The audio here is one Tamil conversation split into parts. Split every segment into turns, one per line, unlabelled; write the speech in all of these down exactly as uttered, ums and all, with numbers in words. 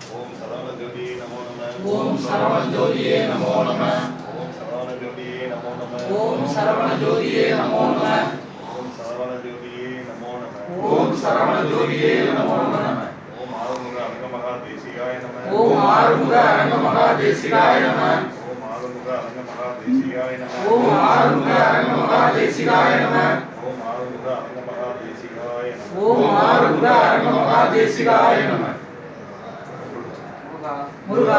ஓம் சரவண ஜோதியே நமோ நம.
ஓம் சரவண ஜோதியே நமோ நம.
ஓம் சரவண ஜோதியே நமோ நம.
ஓம் சரவண ஜோதியே நமோ நம.
ஓம் சரவண ஜோதியே நமோ நம.
ஓம் சரவண ஜோதியே நமோ நம.
ஓம் ஆறுமுக அரங்க மகா தேசிகாய நம.
ஓம் ஆறுமுக அரங்க மகா தேசிகாய நம.
ஓம் ஆறுமுக அரங்க மகா தேசிகாய நம.
ஓம் ஆறுமுக அரங்க மகா தேசிகாய நம.
ஓம் ஆறுமுக அரங்க மகா தேசிகாய நம.
ஓம் ஆறுமுக அரங்க மகா தேசிகாய நம. முருகா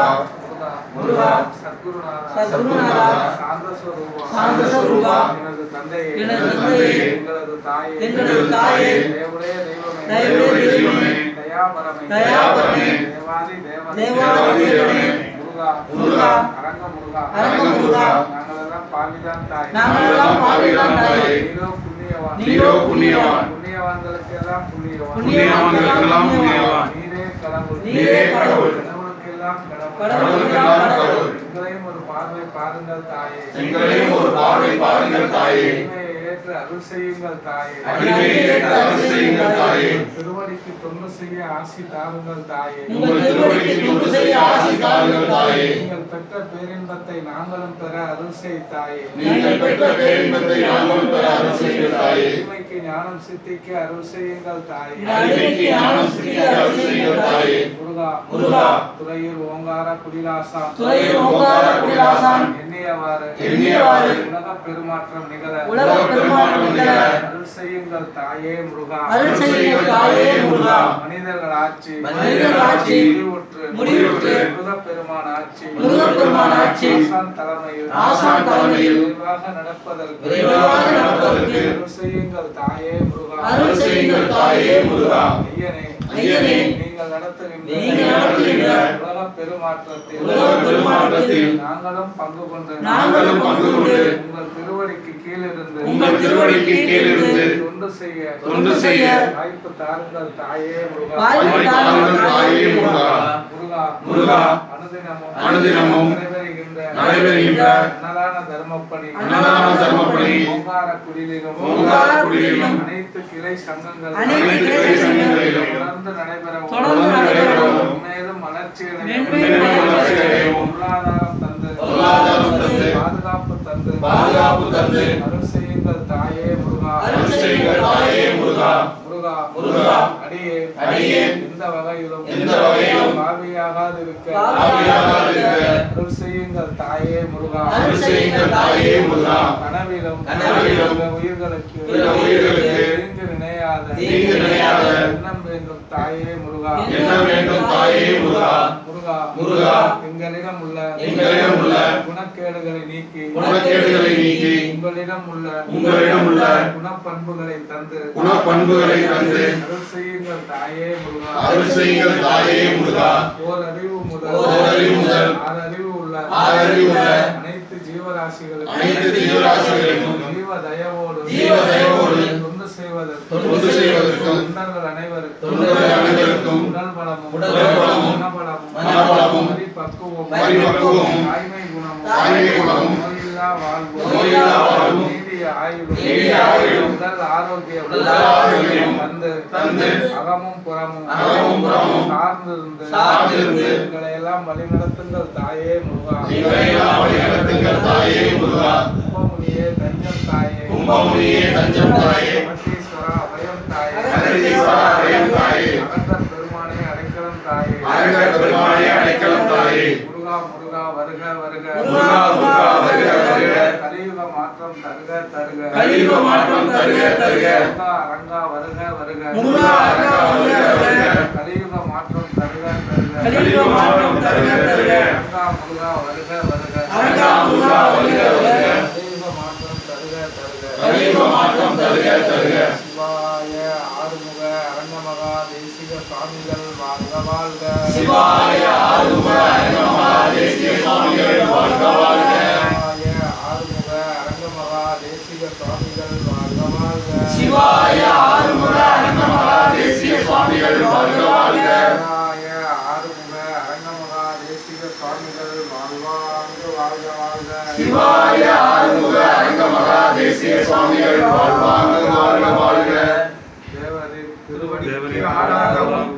முருகா
சத்குருநாதா
சத்குருநாதா
சாந்த ஸ்வரூபா
சாந்த ஸ்வரூபா
எனது தந்தையே
எனது தந்தையே
எங்களது தாயே
எங்களது தாயே
தேவடைய தெய்வமே
தேவடைய தெய்வமே
தயாபரமே
தயாபரமே
தேவாதி தேவனே
தேவாதி தேவனே
முருகா
முருகா
அரங்க முருகா
அரங்க முருகா
நாங்களெல்லாம் பாவிதான் தாய்
நாங்களெல்லாம் பாவிதான் தாயே
நீரோ புண்ணியவான்
நீரோ புண்ணியவான்
புண்ணியவான்களுக்கு எல்லாம் புண்ணியவான்
புண்ணியவான்களுக்கெல்லாம் புண்ணியவான்
நீரே கடவுள்
நீரே கடவுள்
கடவுளுக்கெல்லாம் கடவுள்
கடவுளுக்கெல்லாம் கடவுள்
எங்களையும் ஒரு பார்வை பாருங்கள் தாயே
எங்களையும் ஒரு பார்வை பாருங்கள் தாயே
அடிமையை ஏற்று அருள் செய்யுங்கள் தாயே
அடிமையை ஏற்று அருள் செய்யுங்கள் தாயே
திருவடிக்கு தொண்டு செய்ய ஆசி தாருங்கள் தாயே
உங்கள் திருவடிக்கு தொண்டு செய்ய ஆசி தாருங்கள் தாயே
நீங்கள் பெற்ற பேரின்பத்தை நாங்களும் பெற அருள் செய் தாயே
நீங்கள் பெற்ற பேரின்பத்தை நாங்களும் பெற அருள் செய்யுங்கள் தாயே
அடிமைக்கு ஞானம் சித்திக்கு அருள் செய்யுங்கள் தாயே
அடிமைக்கு ஞானம் சித்திக்கு அருள் செய்யுங்கள் தாயே
முருகா
முருகா
துறையூர் ஓங்கார குடிலாசான்
துறையூர் ஓங்கார குடிலாசான்
எண்ணியவாறு
எண்ணியவாறு
உலக பெருமாற்றம் நிகழ
உலக பெருமாற்றம் நிகழ
அருள் செய்யுங்கள் தாயே முருகா
அருள் செய்யுங்கள் தாயே முருகா
மனிதர்கள் ஆட்சி
மனிதர்கள் ஆட்சி
முடிவுற்று
முடிவுற்று
முருகப் பெருமான் ஆட்சி
முருகப் பெருமான் ஆட்சி
ஆசான் தலைமையில்
ஆசான் தலைமையில்
விரைவாக நடப்பதற்கு
விரைவாக நடப்பதற்கு
அருள் செய்யுங்கள் தாயே முருகா
அருள் செய்யுங்கள் தாயே முருகா
ஐயனே
ஐயனே
நீங்கள் நடத்துகின்ற
நீங்கள் நடத்துகின்ற
உலக பெருமாற்றத்தில்
உலக பெருமாற்றத்தில்
நாங்களும் பங்கு கொண்டு
நாங்களும் பங்கு கொண்டு
உங்கள் திருவடிக்கு கீழிருந்து
உங்கள் திருவடிக்கு கீழிருந்து
தொண்டு செய்ய
தொண்டு செய்ய
வாய்ப்பு தாருங்கள் தாயே முருகா
வாய்ப்பு தாருங்கள் தாயே முருகா
முருகா
முருகா
அனுதினமும்
அனுதினமும்
நடைபெறுகின்ற
நடைபெறுகின்ற
அன்னதான தர்மப்பணி
அன்னதான தர்மப்பணி
ஓங்கார குடிலிலும்
ஓங்கார குடிலிலும்
அனைத்து கிளை சங்கங்கள்
அனைத்து கிளை சங்கங்களிலும்
தொடர்ந்து நடைபெறவும்
தொடர்ந்து நடைபெறவும்
மேலும் வளர்ச்சியடையும்
மேன்மேலும் வளர்ச்சியடையவும்
பொருளாதாரம் தந்து
பொருளாதாரம் தந்து
பாதுகாப்பு தந்து
பாதுகாப்பு தந்து
அருள் செய்யுங்கள் தாயே முருகா
அருள் செய்யுங்கள் தாயே முருகா
முருகா
முருகா
அடியே
அடியே
எந்த வகையிலும்
எந்த வகையிலும்
பாவியாகாது இருக்க
பாவியாகாது இருக்க
அருள் செய்யுங்கள் தாயே முருகா
அருள் செய்யுங்கள் தாயே முருகா
கனவிலும்
கனவிலும்
பிற உயிர்களுக்கு
பிற உயிர்களுக்கு
தீங்கு நினையாத
தீங்கு நினையாத
எண்ணம் வேண்டும் தாயே முருகா
என்ன வேண்டும் தாயே முருகா
முருகா
முருகா
எங்களிடம் உள்ள
எங்களிடம் உள்ள
குணக்கேடுகளை நீக்கி
குணக்கேடுகளை நீக்கி
உங்களிடம் உள்ள
உங்களிடம் உள்ள
குணப்பண்புகளை தந்து
குணப்பண்புகளை தந்து
அருள் செய்யுங்கள் தாயே முருகா
அருள் செய்யுங்கள் தாயே முருகா
ஓர் அறிவு முதல்
ஓர் அறிவு முதல்
ஆறு அறிவு உள்ள
ஆறு அறிவு உள்ள
அனைத்து ஜீவராசிகளுக்கும்
அனைத்து ஜீவராசிகளுக்கும்
ஜீவ தயவோடு
ஜீவ தயவோடு
தொண்டு செய்வதற்கு
தொண்டு செய்வதற்கும்
தொண்டர்கள் அனைவருக்கும்
தொண்டர்கள் அனைவருக்கும்
உடல் பலமும்
உடல் பலமும்
மனபலமும்
மனபலமும்
பரிபக்குவமும்
பரிபக்குவமும்
தாய்மை குணமும்
தாய்மை குணமும்
நோயில்லா வாழ்வு
நோயில்லா வாழ்வும்
நீடிய ஆயுளும்
நீடிய ஆயுளும்
உடல் ஆரோக்கியம்
உடல் ஆரோக்கியமும்
தந்து
தந்து
அகமும் புறமும்
அகமும் புறமும்
சார்ந்திருந்து
சார்ந்திருந்து
எங்களை எல்லாம் வழிநடத்துங்கள் தாயே முருகா
எங்களை எல்லாம் வழிநடத்துங்கள் தாயே முருகா
கும்பமுனியே தஞ்சம் தாயே
கும்பமுனியே தஞ்சம் தாயே
அகத்தீஸ்வரா அபயம் தாயே
அகத்தீஸ்வரா அபயம் தாயே
அகத்தர் பெருமானே அடைக்கலம் தாயே
அரங்கர் பெருமானே அடைக்கலம் தாயே
முருகா முருகா வருக வருக
முருகா முருகா வருக வருக
கலியுக மாற்றம் தருக தருக
கலியுக மாற்றம் தருக தருக
முருகா அரங்கா வருக வருக
முருகா அரங்கா வருக வருக
கலியுக மாற்றம் தருக தருக
கலியுக மாற்றம் தருக தருக
அரங்கா முருகா வருக வருக
அரங்கா முருகா வருக வருக
கலியுக மாற்றம் தருக தருக
கலியுக மாற்றம் தருக தருக
சிவாய ஆறுமுக அரங்கமகா தேசிக சுவாமிகள் வாழ்க வாழ்க
சிவாய ஆறுமுக அரங்கமகா தேசிக சுவாமிகள் வாழ்க வாழ்க
சிவாய ஆறுமுக அரங்கமகா தேசிக சுவாமிகள் வாழ்க வாழ்க
சிவாய ஆறுமுக அரங்கமகா தேசிக சுவாமிகள் வாழ்க வாழ்க
சிவாய ஆறுமுக அரங்கமகா தேசிக சுவாமிகள் வாழ்வாங்கு வாழ்க வாழ்க
சிவாய ஆறுமுக அரங்கமகா தேசிக சுவாமிகள் வாழ்வாங்கு வாழ்க வாழ்க
தேவரின்
தேவரின்
திருவடிக்கு ஆளாகவும்
அச்ச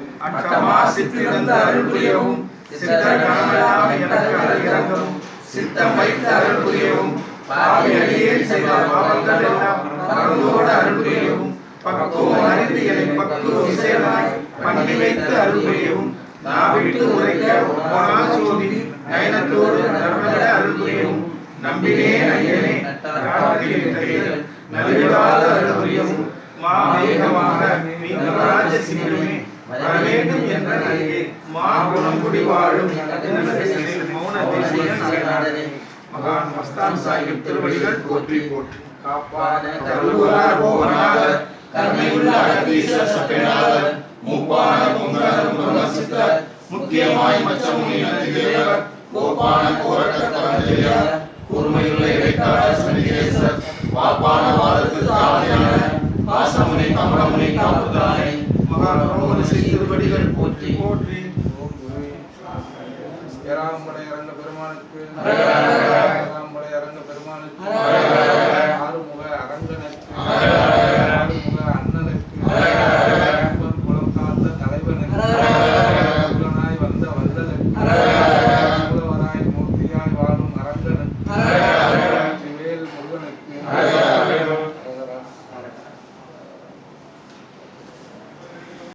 சித்தமா சித்திருந்து அருள் புரியவும் சித்த கணமெல்லாம் எனக்கு இறங்கவும் சித்தம் வைத்து அருள் புரியவும் பாவி அடியேன் செய்த பாவங்கள் எல்லாம் மறந்தோடு அருள் புரியவும் பக்குவம் அறிந்து என்னை பக்குவம் சேராய் பண்ணி வைத்து அருள் புரியவும் நாவிட்டு உரைக்க ஒப்பனா சோதி நயனத்தோடு நர்மத அருள் புரியவும் நம்பினேன் ஐயனே நலிவிடாத அருள் புரியவும் மாவேகமாக மீனராஜ சிங்கமே வரவேண்டும் என்ற நல்கே மா குணம் குடி வாழும் மௌன தேசிகநாதனே மகான் மஸ்தான் சாஹிப் திருவடிகள் போற்றி போற்றி காப்பான கருவார் போனார் கருணையுள்ள அகதீசர் சத்யநாதர் மூப்பான பொங்கலும் பிரம்மசித்தர் முக்கியமாய் மச்சமுனி நந்திதேவர் கோப்பான கோரட்ட பரஞ்செய்யார் கூர்மையுள்ள இடைக்கால சண்டிகேசர் வாப்பான வாதத்து தாளையான பாசமுனி கமலமுனி காப்புதானே மகான் பிரம்மரிஷி திருவடிகள் போற்றி போற்றி ஏராளமுடைய அரங்க பெருமானுக்கு ஏராளமுடைய அரங்க பெருமானுக்கு